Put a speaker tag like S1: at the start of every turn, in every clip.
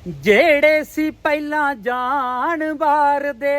S1: ਜਿਹੜੇ ਸੀ ਪਹਿਲਾਂ ਜਾਣ ਬਾਰ ਦੇ,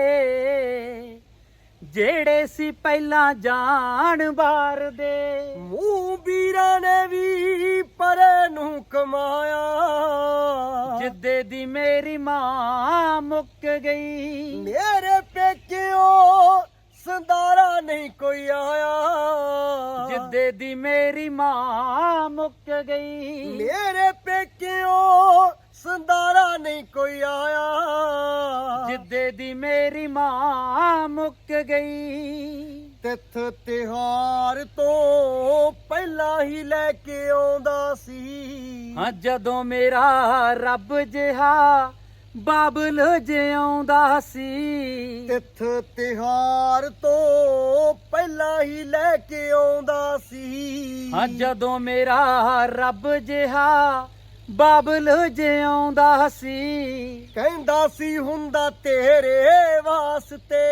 S1: ਜਿਹੜੇ ਸੀ ਪਹਿਲਾਂ ਜਾਣ ਬਾਰ ਦੇ,
S2: ਮੂੰਹ ਵੀਰਾਂ ਨੇ ਵੀ ਪਰੇ ਨੂੰ ਕਮਾਇਆ।
S1: ਜਿੱਦੇ ਦੀ ਮੇਰੀ ਮਾਂ ਮੁੱਕ ਗਈ,
S2: ਮੇਰੇ ਪੇਕਿਓ ਸੰਦਾਰਾ ਨਹੀਂ ਕੋਈ ਆਇਆ।
S1: ਜਿੱਦੇ ਦੀ ਮੇਰੀ ਮਾਂ ਮੁੱਕ ਗਈ,
S2: ਮੇਰੇ ਪੇਕਿਓ ਸੰਦਾਰਾ ਨਹੀਂ ਕੋਈ ਆਇਆ।
S1: ਜਿੱਦੇ ਦੀ ਮੇਰੀ ਮਾਂ ਮੁੱਕ ਗਈ।
S2: ਤਿੱਥ ਤਿਹਾਰ ਤੋਂ ਪਹਿਲਾਂ ਹੀ ਲੈ ਕੇ ਆਉਂਦਾ ਸੀ।
S1: ਹਾਂ ਜਦੋਂ ਮੇਰਾ ਰੱਬ ਜਿਹਾ ਬਾਬਲ ਜਿਉਂਦਾ ਸੀ।
S2: ਤਿੱਥ ਤਿਹਾਰ ਤੋਂ ਪਹਿਲਾਂ ਹੀ ਲੈ ਕੇ ਆਉਂਦਾ ਸੀ।
S1: ਹਾਂ ਜਦੋਂ ਮੇਰਾ ਰੱਬ ਜਿਹਾ ਬਾਬਲ ਜਿਉਂਦਾ ਸੀ।
S2: ਕਹਿੰਦਾ ਸੀ ਹੁੰਦਾ ਤੇਰੇ ਵਾਸਤੇ,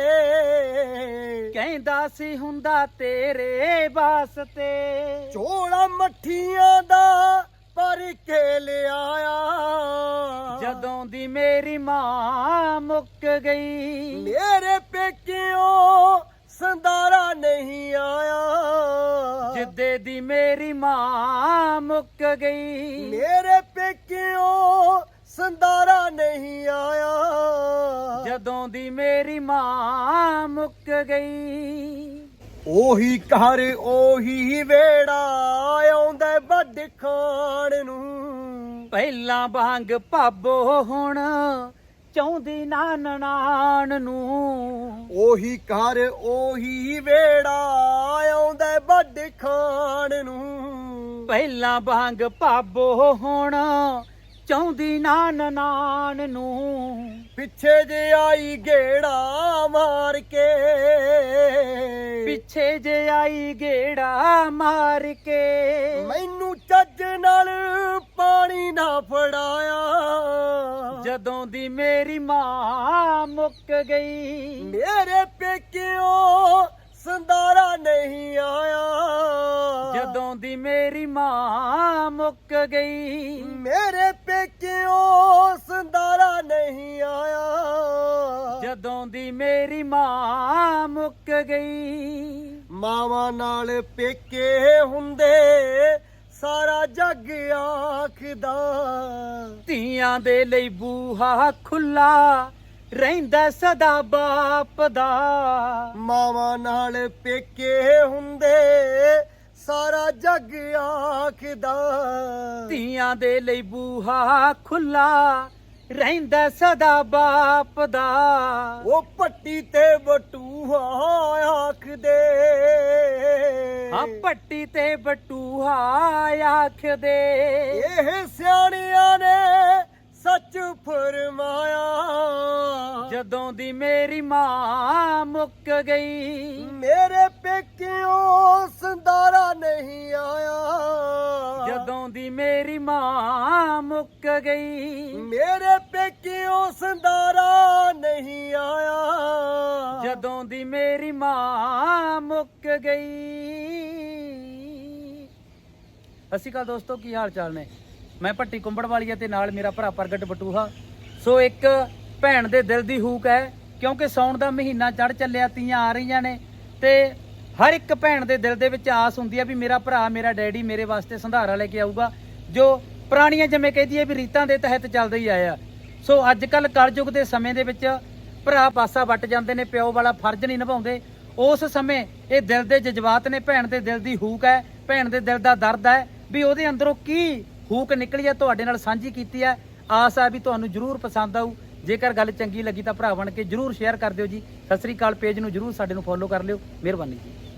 S1: ਕਹਿੰਦਾ ਸੀ ਹੁੰਦਾ ਤੇਰੇ ਵਾਸਤੇ।
S2: ਝੋਲਾ ਮੱਠੀਆਂ ਦਾ ਭਰ ਕੇ ਲਿਆਇਆ।
S1: ਜਦੋਂ ਦੀ ਮੇਰੀ ਮਾਂ ਮੁੱਕ ਗਈ,
S2: ਮੇਰੇ ਪੇਕਿਓ ਸੰਦਾਰਾ ਨਹੀਂ ਆਇਆ।
S1: ਜਿੱਦੇ ਦੀ ਮੇਰੀ ਮਾਂ ਮੁੱਕ ਗਈ,
S2: ਮੇਰੇ ਪੇਕਿਓ ਸੰਦਾਰਾ ਨਹੀਂ ਆਇਆ।
S1: ਜਦੋਂ ਦੀ ਮੇਰੀ ਮਾਂ ਮੁੱਕ ਗਈ।
S2: ਉਹੀ ਘਰ ਉਹੀ ਵੇੜਾ ਆਉਂਦਾ ਵੱਡ ਖਾਣ ਨੂੰ।
S1: ਪਹਿਲਾਂ ਵਾਂਗ ਭਾਬੋ ਹੁਣ ਚਾਹੁੰਦੀ ਨਾ ਨਨਾਣ ਨੂੰ।
S2: ਉਹੀ ਘਰ ਉਹੀ ਵੇੜਾ ਆਉਂਦਾ ਵੱਡ ਖਾਣ ਨੂੰ।
S1: ਪਹਿਲਾਂ ਵਾਂਗ ਭਾਬੋ ਹੁਣ ਚਾਹੁੰਦੀ ਨਾ ਨਨਾਣ ਨੂੰ।
S2: ਪਿੱਛੇ ਜੇ ਆਈ ਗੇੜਾ ਮਾਰ ਕੇ,
S1: ਪਿੱਛੇ ਜੇ ਆਈ ਗੇੜਾ ਮਾਰ ਕੇ।
S2: ਮੈਨੂੰ ਚੱਜ ਨਾਲ ਪਾਣੀ ਨਾ ਫੜਾਇਆ।
S1: ਜਦੋਂ ਦੀ ਮੇਰੀ ਮਾਂ ਮੁੱਕ ਗਈ,
S2: ਮੇਰੇ ਪੇਕਿਓ ਸੰਦਾਰਾ ਨਹੀਂ ਆਇਆ।
S1: ਜਦੋਂ ਦੀ ਮੇਰੀ ਮਾਂ ਮੁੱਕ ਗਈ,
S2: ਮੇਰੇ ਪੇਕਿਓ ਸੰਦਾਰਾ ਨਹੀਂ ਆਇਆ।
S1: ਜਦੋਂ ਦੀ ਮੇਰੀ ਮਾਂ ਮੁੱਕ ਗਈ।
S2: ਮਾਵਾਂ ਨਾਲ ਪੇਕੇ ਹੁੰਦੇ ਸਾਰਾ ਜੱਗ ਆਖਦਾ।
S1: ਧੀਆਂ ਦੇ ਲਈ ਬੂਹਾ ਖੁੱਲਾ ਰਹਿੰਦਾ ਸਦਾ ਬਾਪ ਦਾ।
S2: ਮਾਵਾਂ ਨਾਲ ਪੇਕੇ ਹੁੰਦੇ ਸਾਰਾ ਜੱਗ ਆਖਦਾ।
S1: ਧੀਆਂ ਦੇ ਲਈ ਬੂਹਾ ਖੁੱਲਾ ਰਹਿੰਦਾ ਸਦਾ ਬਾਪ ਦਾ।
S2: ਉਹ ਪੱਟੀ ਤੇ ਬਟੂਹਾ ਆਖਦੇ।
S1: ਹਾਂ ਪੱਟੀ ਤੇ ਬਟੂਹਾ ਆਖਦੇ।
S2: ਇਹ ਸਿਆਣਿਆਂ ਨੇ ਸੱਚ ਫਰਮਾਇਆ।
S1: ਜਦੋਂ ਦੀ ਮੇਰੀ ਮਾਂ ਮੁੱਕ ਗਈ,
S2: ਮੇਰੇ ਪੇਕਿਓ ਸੰਦਾਰਾ ਨਹੀਂ ਆਇਆ।
S1: ਜਦੋਂ ਦੀ ਮੇਰੀ ਮਾਂ ਮੁੱਕ ਗਈ,
S2: ਮੇਰੇ ਪੇਕਿਓ ਸੰਦਾਰਾ ਨਹੀਂ ਆਇਆ।
S1: ਜਦੋਂ ਦੀ ਮੇਰੀ ਮਾਂ ਮੁੱਕ ਗਈ। ਸਤਿ ਸ਼੍ਰੀ ਅਕਾਲ ਦੋਸਤੋ, ਕੀ ਹਾਲ ਚਾਲ ਨੇ? ਮੈਂ ਭੱਟੀ ਕੁੰਬੜ ਵਾਲੀਆ ਤੇ ਨਾਲ ਮੇਰਾ ਭਰਾ ਪ੍ਰਗਟ ਬਟੂਹਾ। ਸੋ ਇੱਕ ਭੈਣ ਦੇ ਦਿਲ ਦੀ ਹੂਕ ਹੈ, ਕਿਉਂਕਿ ਸਾਉਣ ਦਾ ਮਹੀਨਾ ਚੜ ਚੱਲਿਆ, ਤੀਆਂ ਆ ਰਹੀਆਂ ਨੇ ਤੇ ਹਰ ਇੱਕ ਭੈਣ ਦੇ ਦਿਲ ਦੇ ਵਿੱਚ ਆਸ ਹੁੰਦੀ ਹੈ ਵੀ ਮੇਰਾ ਭਰਾ, ਮੇਰਾ ਡੈਡੀ ਮੇਰੇ ਵਾਸਤੇ ਸੰਧਾਰਾ ਲੈ ਕੇ ਆਊਗਾ, ਜੋ ਪੁਰਾਣੀਆਂ ਜਿਵੇਂ ਕਹਿੰਦੀ ਹੈ ਵੀ ਰੀਤਾਂ ਦੇ ਤਹਿਤ ਚੱਲਦੇ ਹੀ ਆਇਆ। ਸੋ ਅੱਜ ਕੱਲ ਕਲਯੁਗ ਦੇ ਸਮੇਂ ਦੇ ਵਿੱਚ ਭਰਾ ਪਾਸਾ ਵੱਟ ਜਾਂਦੇ ਨੇ, ਪਿਓ ਵਾਲਾ ਫਰਜ਼ ਨਹੀਂ ਨਿਭਾਉਂਦੇ। ਉਸ ਸਮੇਂ ਇਹ ਦਿਲ ਦੇ ਜਜ਼ਬਾਤ ਨੇ, ਭੈਣ ਦੇ ਦਿਲ ਦੀ ਹੂਕ ਹੈ, ਭੈਣ ਦੇ ਦਿਲ ਦਾ ਦਰਦ ਹੈ ਵੀ ਉਹਦੇ ਅੰਦਰੋਂ ਕੀ ਹੂਕ ਨਿਕਲੀ ਹੈ, ਤੁਹਾਡੇ ਨਾਲ ਸਾਂਝੀ ਕੀਤੀ ਹੈ। ਆਸ ਹੈ ਵੀ ਤੁਹਾਨੂੰ ਜ਼ਰੂਰ ਪਸੰਦ ਆਊ। ਜੇਕਰ ਗੱਲ ਚੰਗੀ ਲੱਗੀ ਤਾਂ ਭਰਾ ਬਣ ਕੇ ਜ਼ਰੂਰ ਸ਼ੇਅਰ ਕਰ ਦਿਓ ਜੀ। ਸਤਿ ਸ੍ਰੀ ਅਕਾਲ। ਪੇਜ ਨੂੰ ਜ਼ਰੂਰ ਸਾਡੇ ਨੂੰ ਫੋਲੋ ਕਰ ਲਿਓ। ਮਿਹਰਬਾਨੀ ਜੀ।